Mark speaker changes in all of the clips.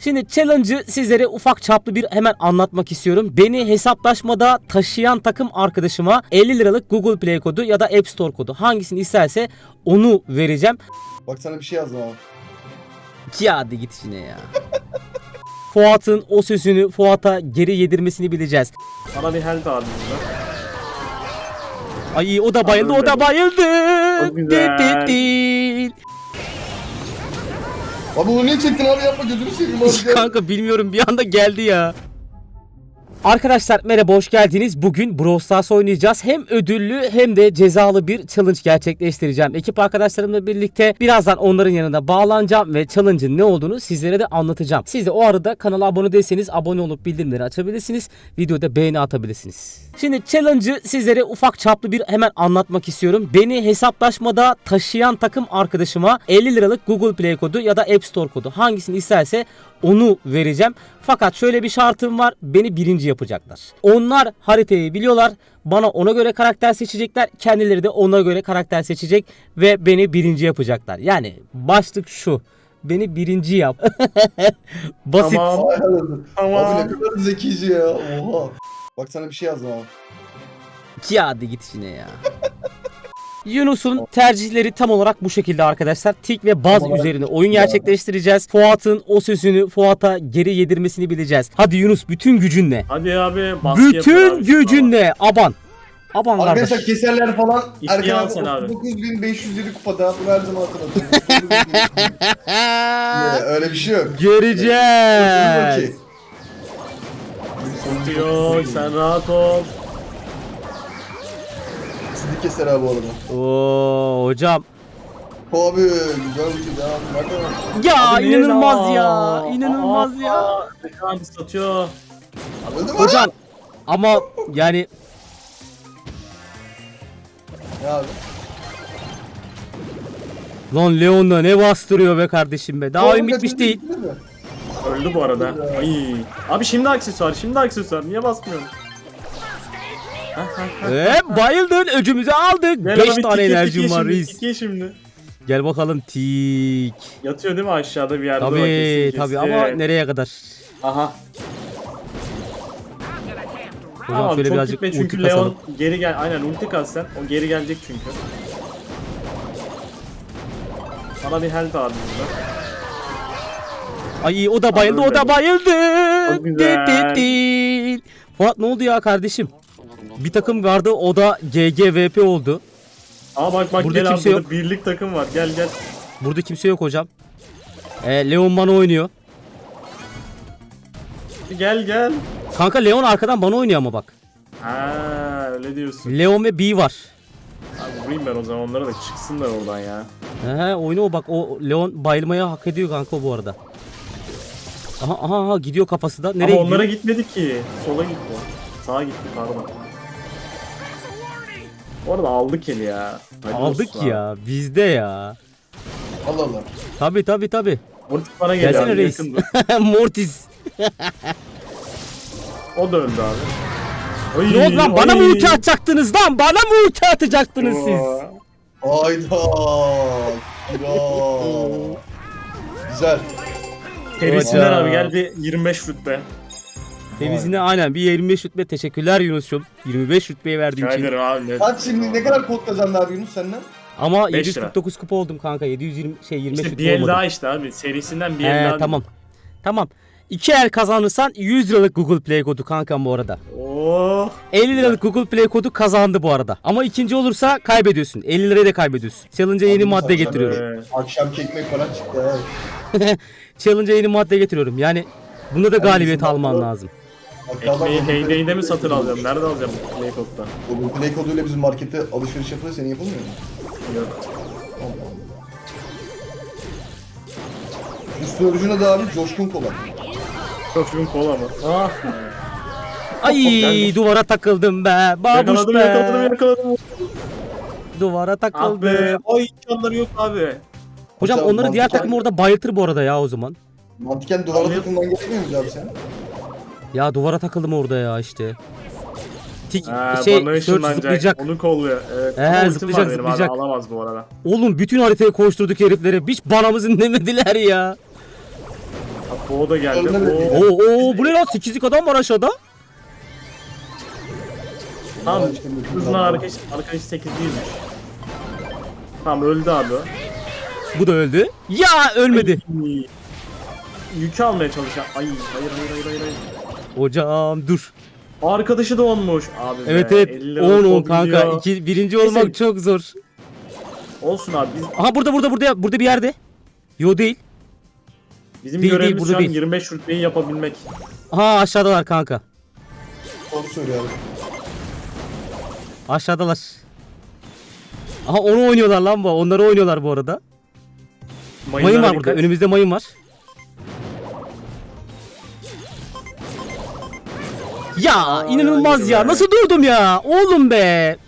Speaker 1: Şimdi challenge'ı sizlere ufak çaplı bir hemen anlatmak istiyorum. Beni hesaplaşmada taşıyan takım arkadaşıma 50 liralık Google Play kodu ya da App Store kodu hangisini isterse onu vereceğim.
Speaker 2: Bak sana bir şey yazdım abi.
Speaker 1: Ya hadi git işine ya. Fuat'ın o sözünü Fuat'a geri yedirmesini bileceğiz.
Speaker 3: Bana bir health abi burada.
Speaker 1: Ay o da bayıldı, o da bayıldı.
Speaker 3: Çok güzel.
Speaker 2: Abi onu niye çektin abi, yapma gözünü seveyim abi.
Speaker 1: Kanka bilmiyorum, bir anda geldi ya. Arkadaşlar merhaba, hoş geldiniz. Bugün Brawl Stars oynayacağız. Hem ödüllü hem de cezalı bir challenge gerçekleştireceğim. Ekip arkadaşlarımla birlikte birazdan onların yanına bağlanacağım ve challenge'ın ne olduğunu sizlere de anlatacağım. Siz de o arada kanala abone değilseniz abone olup bildirimleri açabilirsiniz. Videoda beğeni atabilirsiniz. Şimdi challenge'ı sizlere ufak çaplı bir hemen anlatmak istiyorum. Beni hesaplaşmada taşıyan takım arkadaşıma 50 liralık Google Play kodu ya da App Store kodu hangisini isterse onu vereceğim. Fakat şöyle bir şartım var. Beni birinci yapacaklar. Onlar haritayı biliyorlar. Bana ona göre karakter seçecekler. Kendileri de ona göre karakter seçecek ve beni birinci yapacaklar. Yani başlık şu: beni birinci yap. Basit.
Speaker 3: Tamam.
Speaker 2: Abi ne kadar zekice ya. Oha. Bak sana bir şey yazdım abi.
Speaker 1: Ya hadi git işine ya. Yunus'un tercihleri tam olarak bu şekilde arkadaşlar. Tik ve baz üzerine oyun gerçekleştireceğiz. Fuat'ın o sözünü Fuat'a geri yedirmesini bileceğiz. Hadi Yunus, bütün gücünle.
Speaker 3: Hadi abi baskı yapın
Speaker 1: Bütün
Speaker 3: abi.
Speaker 1: gücünle. Aban. Aban
Speaker 2: Arkadaşlar
Speaker 1: kardeş.
Speaker 2: keserler falan.
Speaker 3: İpneyi al
Speaker 2: Erkan
Speaker 3: sen abi.
Speaker 2: abi 9507 kupada. Bunu her zaman hatırlatıyorum. Öyle bir şey yok.
Speaker 1: Göreceğiz.
Speaker 2: Okey.
Speaker 3: Yok sen rahat ol.
Speaker 2: Sizi keser abi bu arada.
Speaker 1: Oo hocam.
Speaker 2: Abi güzel bir şey ya. Nerede?
Speaker 1: Ya
Speaker 3: Abi niye
Speaker 1: inanılmaz
Speaker 3: la?
Speaker 1: ya. İnanılmaz ya.
Speaker 3: Abi satıyor.
Speaker 2: Öldü mü?
Speaker 1: Hocam ama yani
Speaker 2: Ya abi.
Speaker 1: lan Leon'da ne bastırıyor be kardeşim be. Daha oyun
Speaker 2: Oğlum,
Speaker 1: bitmiş değil.
Speaker 2: bitirdiniz mi?
Speaker 3: Öldü bu arada. Ay. Abi şimdi aksesuar, şimdi aksesuar. Niye basmıyorsun?
Speaker 1: Bayıldın, öcümüzü aldık.
Speaker 3: Gel
Speaker 1: 5
Speaker 3: abi,
Speaker 1: tane
Speaker 3: tike,
Speaker 1: enerjim
Speaker 3: tike
Speaker 1: var
Speaker 3: şimdi,
Speaker 1: reis.
Speaker 3: tike şimdi.
Speaker 1: Gel bakalım tik.
Speaker 3: Yatıyor değil mi aşağıda bir yerde? Bak,
Speaker 1: Tabii
Speaker 3: kesin,
Speaker 1: tabii
Speaker 3: kesin.
Speaker 1: ama nereye kadar?
Speaker 3: Aha.
Speaker 1: Hocam
Speaker 3: Tamam
Speaker 1: şöyle
Speaker 3: çok
Speaker 1: birazcık
Speaker 3: gitme çünkü
Speaker 1: ulti
Speaker 3: Leon
Speaker 1: kasalım.
Speaker 3: geri gel. Aynen ulti kas sen. O geri gelecek çünkü. Bana bir health abi burada.
Speaker 1: Ay o da bayıldı, o da bayıldı.
Speaker 3: Çok güzel.
Speaker 1: Fuat ne oldu ya kardeşim? Bir takım vardı, o da GGVP oldu.
Speaker 3: Aa bak
Speaker 1: Burada
Speaker 3: gel abi,
Speaker 1: kimse
Speaker 3: burada
Speaker 1: yok.
Speaker 3: birlik takım var. Gel gel.
Speaker 1: Burada kimse yok hocam. Leon bana oynuyor.
Speaker 3: Gel gel.
Speaker 1: Kanka Leon arkadan bana oynuyor ama bak.
Speaker 3: Ha öyle diyorsun.
Speaker 1: Leon ve B var.
Speaker 3: Abi vurayım ben o zaman onlara da çıksınlar oradan ya.
Speaker 1: Oyna o, bak o Leon bayılmaya hak ediyor kanka bu arada. Aha gidiyor kafası da. Nereye
Speaker 3: Ama
Speaker 1: gidiyor?
Speaker 3: onlara gitmedi ki. Sola gitti. Sağa gitti pardon. Orada aldık eli ya. Hadi
Speaker 1: Aldık
Speaker 3: olsun abi.
Speaker 1: ya, bizde ya.
Speaker 2: Allah Allah.
Speaker 1: Tabi.
Speaker 3: Mortis bana geliyor
Speaker 1: Gelsene
Speaker 3: abi,
Speaker 1: reis.
Speaker 3: yakındı.
Speaker 1: Mortis.
Speaker 3: O da öldü abi. Oy,
Speaker 1: Ne oldu lan? Bana mı
Speaker 3: oy.
Speaker 1: ulti atacaktınız lan? Bana mı ulti atacaktınız siz?
Speaker 2: Hayda. Kral. Güzel.
Speaker 3: Terisinden
Speaker 1: Hocam.
Speaker 3: abi gel bir 25 rütbe.
Speaker 1: Temizine aynen bir 25 rütbe. Teşekkürler Yunus'cum. 25 rütbeyi verdiğin için.
Speaker 3: Rica abi. Ne?
Speaker 2: Kaç şimdi, ne kadar kod kazandı abi Yunus senden?
Speaker 1: Ama
Speaker 3: 5 lira.
Speaker 1: 749 kupa oldum kanka. 720 25
Speaker 3: İşte
Speaker 1: rütbe
Speaker 3: bir el
Speaker 1: olmadım.
Speaker 3: daha işte abi. Serisinden bir el daha.
Speaker 1: Tamam. 2 el kazanırsan 100 liralık Google Play kodu kankam bu arada.
Speaker 3: Oh.
Speaker 1: 50 liralık Google Play kodu kazandı bu arada. Ama ikinci olursa kaybediyorsun. 50 lirayı da kaybediyorsun. Challenge'a yeni
Speaker 2: Abi,
Speaker 1: madde
Speaker 2: sen-
Speaker 1: getiriyorum.
Speaker 2: Akşam ekmek falan çıktı.
Speaker 1: Challenge'a yeni madde getiriyorum. Yani bunda da galibiyet
Speaker 2: bizim
Speaker 1: alman
Speaker 2: madde-
Speaker 1: lazım.
Speaker 3: Ekmeği Heyday'de mi satın alacağım? Nerede alacağım bu Play Code'da?
Speaker 2: Bu play koduyla bizim markette alışveriş yapılıyor, senin yapılmıyor mu?
Speaker 3: Yok.
Speaker 2: Üstü orijine de abi Coşkun Kola.
Speaker 3: Çocuğun kola mı? Ah.
Speaker 1: Ay
Speaker 3: Gelmiş.
Speaker 1: duvara takıldım be. Babuş
Speaker 3: Yakaladım
Speaker 1: be.
Speaker 3: yakaladım.
Speaker 1: Duvara
Speaker 3: Ah
Speaker 1: takıldım.
Speaker 3: be. Ay imkanları yok abi.
Speaker 1: Hocam
Speaker 2: Hocam,
Speaker 1: onları diğer
Speaker 2: mantıken-
Speaker 1: takım orada bayıltır bu arada ya o zaman.
Speaker 2: Mantıken duvara
Speaker 3: Abi-
Speaker 2: takılman gerekmiyor mu abi sen?
Speaker 1: Ya duvara takıldım orada ya işte. Tik
Speaker 3: Ha,
Speaker 1: şey
Speaker 3: bana
Speaker 1: search
Speaker 3: ışınlanacak.
Speaker 1: zıplayacak.
Speaker 3: Onu kolluyor. Evet.
Speaker 1: He,
Speaker 3: Ama ultim
Speaker 1: zıplayacak,
Speaker 3: var benim
Speaker 1: zıplayacak.
Speaker 3: Abi, alamaz bu arada.
Speaker 1: Oğlum bütün haritayı koşturduk heriflere. Hiç banamızın demediler ya.
Speaker 3: O da geldi.
Speaker 2: Ölmedi.
Speaker 3: Oo.
Speaker 1: Oo bu ne lan? 8'lik adam var aşağıda.
Speaker 3: Tamam.
Speaker 2: İşte
Speaker 3: Hızla arkadaş 800'müş. Tamam öldü abi. o.
Speaker 1: Bu da öldü. Ya ölmedi.
Speaker 3: Ay, yükü almaya çalışan. Ay hayır.
Speaker 1: Hocam dur.
Speaker 3: Arkadaşı da olmuş. Abi
Speaker 1: Evet
Speaker 3: be,
Speaker 1: evet
Speaker 3: 50 liralık
Speaker 1: 10
Speaker 3: o
Speaker 1: kanka.
Speaker 3: biliyor.
Speaker 1: Birinci olmak
Speaker 3: Neyse.
Speaker 1: çok zor.
Speaker 3: Olsun abi.
Speaker 1: Aha burada bir yerde. Yo değil.
Speaker 3: Bizim
Speaker 1: Değil,
Speaker 3: görevimiz
Speaker 1: burada
Speaker 3: şu an
Speaker 1: değil.
Speaker 3: 25 rütbeyi yapabilmek.
Speaker 1: Aha aşağıdalar kanka.
Speaker 2: Doğru söylüyor abi.
Speaker 1: Aşağıdalar. Aha onu oynuyorlar lan bu. Onları oynuyorlar bu arada. Mayın
Speaker 3: Mayınlara
Speaker 1: var burada.
Speaker 3: dikkat.
Speaker 1: Önümüzde mayın var. Ya inanılmaz ya.
Speaker 3: be.
Speaker 1: Nasıl durdum ya? Oğlum be.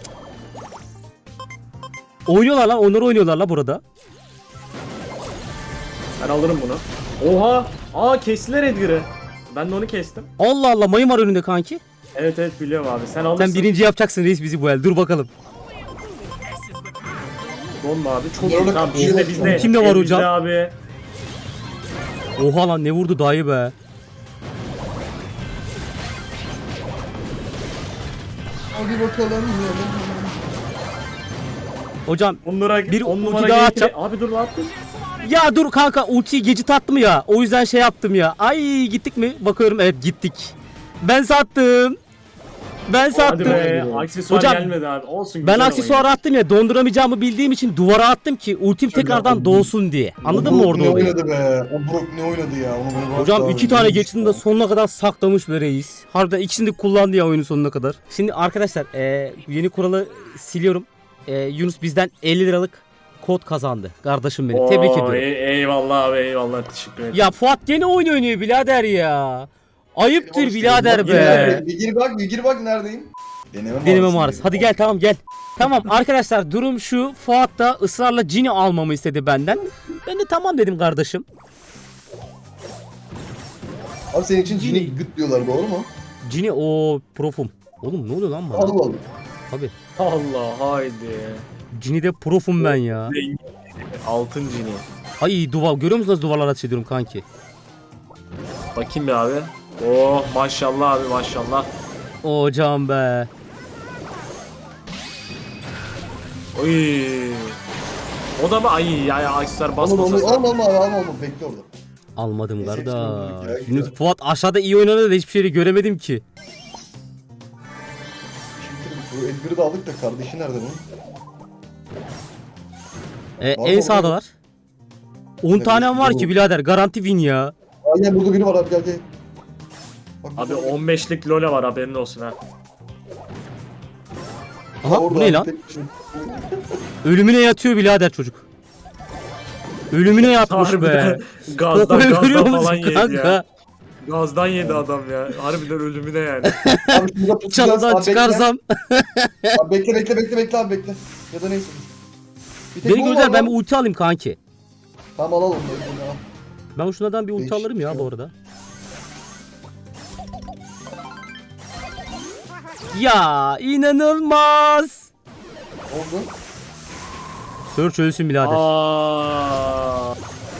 Speaker 1: Oynuyorlar lan. Onları oynuyorlar lan burada.
Speaker 3: Ben alırım bunu. Oha! Aa kestiler Edgar'ı. Ben de onu kestim.
Speaker 1: Allah Allah mayın var önünde kanki.
Speaker 3: Evet biliyorum abi. Sen alırsın.
Speaker 1: Sen birinci yapacaksın reis bizi bu el. Dur bakalım.
Speaker 3: Donma abi. Çok
Speaker 2: Orada
Speaker 3: iyi. Tamam
Speaker 2: kapıyor.
Speaker 3: bizde.
Speaker 1: Kim de var
Speaker 3: bizde
Speaker 1: hocam?
Speaker 3: abi.
Speaker 1: Oha lan ne vurdu dayı be.
Speaker 2: Hadi bakalım.
Speaker 1: Hocam
Speaker 3: Onlara
Speaker 1: Bir
Speaker 3: on
Speaker 1: ulti
Speaker 3: numara
Speaker 1: daha
Speaker 3: gameplay-
Speaker 1: atacağım.
Speaker 3: Abi dur ne yaptın?
Speaker 1: ya dur kanka ultiyi gecit attım ya. O yüzden şey yaptım ya. Ay gittik mi? Bakıyorum evet gittik. Ben sattım. Ben
Speaker 3: Hadi
Speaker 1: sattım.
Speaker 3: be. Aksesuar
Speaker 1: Hocam,
Speaker 3: gelmedi abi. Olsun.
Speaker 1: Ben
Speaker 3: güzel
Speaker 1: aksesuarı
Speaker 3: oyun.
Speaker 1: attım ya donduramayacağımı bildiğim için duvara attım ki ultim
Speaker 2: Şöyle
Speaker 1: tekrardan
Speaker 2: yapalım.
Speaker 1: doğsun diye. Anladın mı orada
Speaker 2: Ne
Speaker 1: olayı?
Speaker 2: oynadı be? O Brook ne oynadı ya? Onu
Speaker 1: Hocam
Speaker 2: bırak
Speaker 1: 2
Speaker 2: abi.
Speaker 1: tane geçtiğinde de sonuna kadar saklamış be reis. Harbiden ikisini de kullandı ya oyunun sonuna kadar. Şimdi arkadaşlar yeni kuralı siliyorum. Yunus bizden 50 liralık kod kazandı. Kardeşim benim. Tebrik
Speaker 3: Oo,
Speaker 1: ediyorum.
Speaker 3: Eyvallah abi eyvallah. Teşekkür ederim.
Speaker 1: Ya Fuat gene oyun oynuyor birader ya. Ayıptır
Speaker 2: Hoş
Speaker 1: birader
Speaker 2: geldin.
Speaker 1: be.
Speaker 2: Bir gir bak neredeyim?
Speaker 1: Deneme mağarası. Hadi gel tamam gel. Tamam arkadaşlar durum şu. Fuat da ısrarla Cini almamı istedi benden. Ben de tamam dedim kardeşim.
Speaker 2: Abi senin için Cini gıt diyorlar doğru mu?
Speaker 1: Cini o profum. Oğlum ne oluyor lan bana?
Speaker 2: Allah Allah.
Speaker 1: Abi
Speaker 3: Allah haydi.
Speaker 1: Cini'de profum ben ya.
Speaker 3: Altın cini.
Speaker 1: Ay duvar görüyor musunuz nasıl duvarlara ateş ediyorum kanki?
Speaker 3: Bakayım bir abi. Oh maşallah abi maşallah.
Speaker 1: Hocam be.
Speaker 3: Oy. O da mı? Ay aksesuar
Speaker 2: Alma
Speaker 3: basmasın.
Speaker 2: alma bekle orada.
Speaker 1: Almadım
Speaker 2: Neyse,
Speaker 1: kardeş.
Speaker 2: hepsini öldürdük ya,
Speaker 1: Şimdi
Speaker 2: güzel.
Speaker 1: Fuat aşağıda iyi oynadı da hiçbir şeyi göremedim ki.
Speaker 2: Şimdi bu Edgar'ı da aldık da kardeşi nerede bunun? Var
Speaker 1: En
Speaker 2: mı
Speaker 1: sağdalar. 10 tanem var ki birader garanti win ya.
Speaker 2: Aynen burada biri var abi gel. Bak,
Speaker 3: Abi
Speaker 2: burada.
Speaker 3: 15'lik lole var haberin olsun ha.
Speaker 1: Aha
Speaker 2: Orada
Speaker 1: bu ne
Speaker 2: abi,
Speaker 1: lan?
Speaker 2: tek başına.
Speaker 1: Ölümüne yatıyor birader çocuk. Ölümüne yatmış be.
Speaker 3: Harbiden gazdan
Speaker 1: Kokuyu görüyor
Speaker 3: falan
Speaker 1: musun
Speaker 3: yedi
Speaker 1: kanka?
Speaker 3: ya. Gazdan yedi adam ya. Harbiden ölümüne yani.
Speaker 2: Abi şurada pusacağız.
Speaker 1: Çalıdan
Speaker 2: Abi,
Speaker 1: çıkarsam.
Speaker 2: Bekle abi bekle. Ya da neyse. Bir tek
Speaker 1: Beni
Speaker 2: bu var
Speaker 1: gönder ben
Speaker 2: lan.
Speaker 1: bir ulti alayım kanki.
Speaker 2: Tamam alalım. Al.
Speaker 1: Ben şunlardan bir ulti
Speaker 2: Değişik
Speaker 1: alırım ya
Speaker 2: ya.
Speaker 1: bu arada. Ya inanılmaz.
Speaker 2: Oldu.
Speaker 1: Search ölsün birader.
Speaker 3: Aa.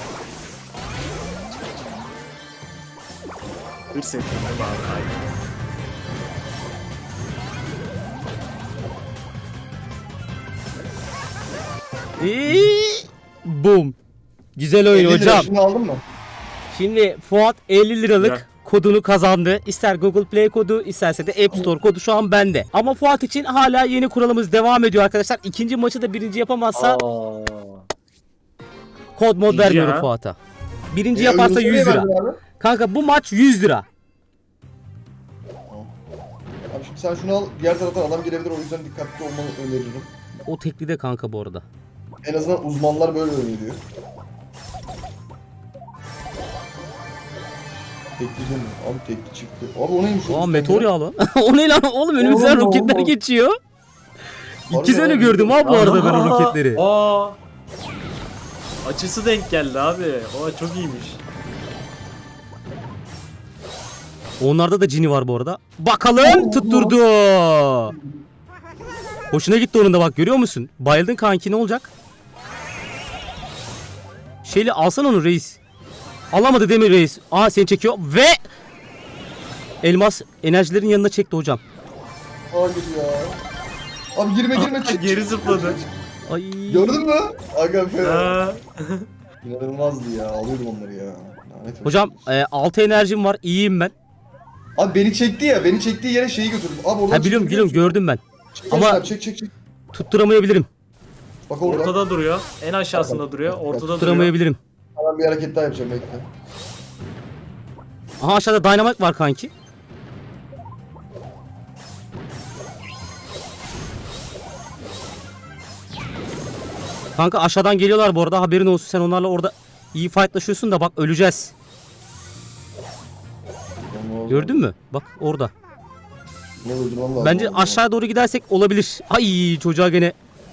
Speaker 3: Hırs ettim abi. Aynen.
Speaker 1: Boom. Güzel
Speaker 2: 50
Speaker 1: oyun
Speaker 2: lira
Speaker 1: hocam.
Speaker 2: Şunu aldın mı?
Speaker 1: Şimdi Fuat 50 liralık
Speaker 3: Güzel.
Speaker 1: kodunu kazandı. İster Google Play kodu isterse de App Store kodu şu an bende. Ama Fuat için hala yeni kuralımız devam ediyor arkadaşlar. İkinci maçı da birinci yapamazsa
Speaker 3: Aa.
Speaker 1: kod mod
Speaker 3: İkinci
Speaker 1: vermiyorum
Speaker 3: ha.
Speaker 1: Fuat'a. Birinci yaparsa
Speaker 2: Yunus'a
Speaker 1: 100
Speaker 2: ne
Speaker 1: lira.
Speaker 2: verdin abi?
Speaker 1: Kanka bu maç 100 lira.
Speaker 2: Abi şimdi sen şunu al. Diğer taraftan adam gelebilir. O yüzden dikkatli olmanı öneririm.
Speaker 1: O tekli de kanka bu arada.
Speaker 2: En azından uzmanlar böyle öneriyor. Tekli değil mi? Abi tekli çıktı. Abi o neymiş?
Speaker 1: Aa meteor yağ lan. O ne lan oğlum önümüzden
Speaker 2: Oğlum,
Speaker 1: roketler
Speaker 2: oğlum.
Speaker 1: geçiyor.
Speaker 2: Harbi
Speaker 1: İki sene
Speaker 2: abi.
Speaker 1: gördüm ha bu arada ben o
Speaker 3: Aa,
Speaker 1: roketleri.
Speaker 3: Aa. Açısı denk geldi abi. O çok iyiymiş.
Speaker 1: Onlarda da cini var bu arada. Bakalım tutturdu. Hoşuna gitti onun da bak görüyor musun? Bayıldın kanki ne olacak? Şeyli alsan onu reis. Alamadı Demir Reis. Aa seni çekiyor ve elmas enerjilerin yanına çekti hocam.
Speaker 2: Hayır ya. Abi girme çık.
Speaker 3: Geri zıpladı.
Speaker 1: Ay.
Speaker 2: Gördün mü? Aga fena.
Speaker 3: Ha.
Speaker 2: İnanılmazdı ya. Alıyordum onları ya. Lanet olsun.
Speaker 1: Hocam 6 enerjim var. İyiyim ben.
Speaker 2: Abi beni çekti ya. Beni çektiği yere şeyi götürdüm. Abi oradan
Speaker 1: Ha biliyorum gördüm ben. Ama-
Speaker 2: Ama çek.
Speaker 1: Tutturamayabilirim.
Speaker 2: Bak orada.
Speaker 3: Ortada duruyor. En aşağısında duruyor. Ortada duruyor.
Speaker 1: Tutturamayabilirim.
Speaker 2: Hemen bir hareket daha yapacağım bekle.
Speaker 1: Aha aşağıda dynamite var kanki. Kanka aşağıdan geliyorlar bu arada, haberin olsun, sen onlarla orada iyi fightlaşıyorsun da bak öleceğiz. Gördün mü? Bak orada.
Speaker 2: Ne öldürmem lazım.
Speaker 1: Bence aşağı doğru gidersek olabilir. Ay çocuğa gene.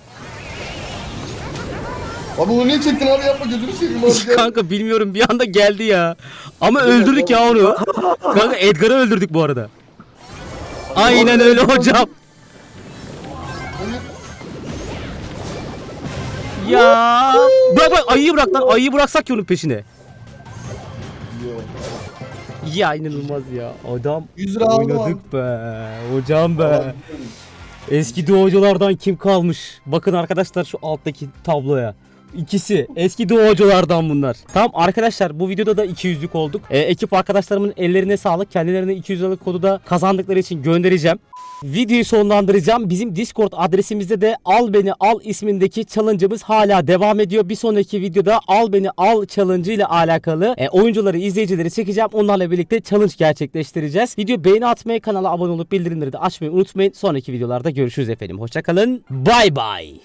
Speaker 2: Abi onu niye çektin abi, yapma gözünü seveyim abi gel.
Speaker 1: Kanka bilmiyorum, bir anda geldi ya. Ama öldürdük ya onu. Kanka Edgar'ı öldürdük bu arada. Aynen öyle hocam.
Speaker 2: Hayır.
Speaker 1: Ya bırak ayıyı bırak lan, ayıyı bıraksak ki onun peşine.
Speaker 2: Yok.
Speaker 1: Ya inanılmaz ya. Adam
Speaker 2: 100 lira aldım
Speaker 1: oynadık be. Hocam be.
Speaker 2: Abi.
Speaker 1: Eski doğuculardan kim kalmış? Bakın arkadaşlar şu alttaki tabloya. İkisi eski doğuculardan bunlar. Tamam arkadaşlar, bu videoda da 200'lük olduk. Ekip arkadaşlarımın ellerine sağlık. Kendilerine 200 liralık kodu da kazandıkları için göndereceğim. Videoyu sonlandıracağım. Bizim Discord adresimizde de Al Beni Al ismindeki challenge'ımız hala devam ediyor. Bir sonraki videoda Al Beni Al challenge ile alakalı oyuncuları, izleyicileri çekeceğim. Onlarla birlikte challenge gerçekleştireceğiz. Video beğeni atmayı, kanala abone olup bildirimleri de açmayı unutmayın. Sonraki videolarda görüşürüz efendim. Hoşçakalın. Bay bay.